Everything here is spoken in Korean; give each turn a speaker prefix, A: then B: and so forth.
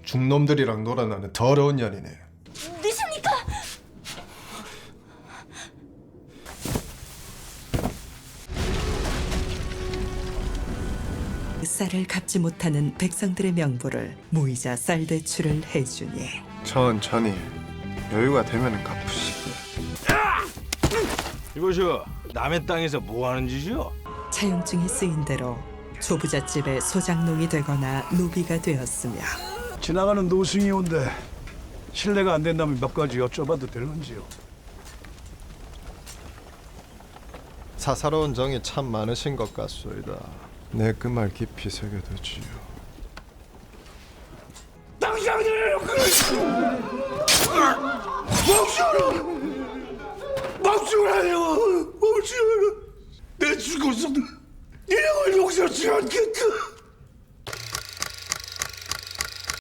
A: 중놈들이랑 놀아나는 더러운 년이네.
B: 누굽니까?
C: 쌀을 갚지 못하는 백성들의 명부를 무이자 쌀 대출을 해주니
A: 천천히 여유가 되면 갚으시고.
D: 이것이요, 남의 땅에서 뭐 하는 짓이요?
C: 차용증이 쓰인 대로 조부잣집의 소장농이 되거나 노비가 되었으며
E: 지나가는 노승이 온데 실례가 안 된다면 몇 가지 여쭤봐도 되는지요?
A: 사사로운 정이 참 많으신 것 같소이다. 내 그 말 깊이 새겨두지요.
E: 당장이에요! 멈추라요! 멈추라! 내 죽어서도 이 형을 용서치 않겠다!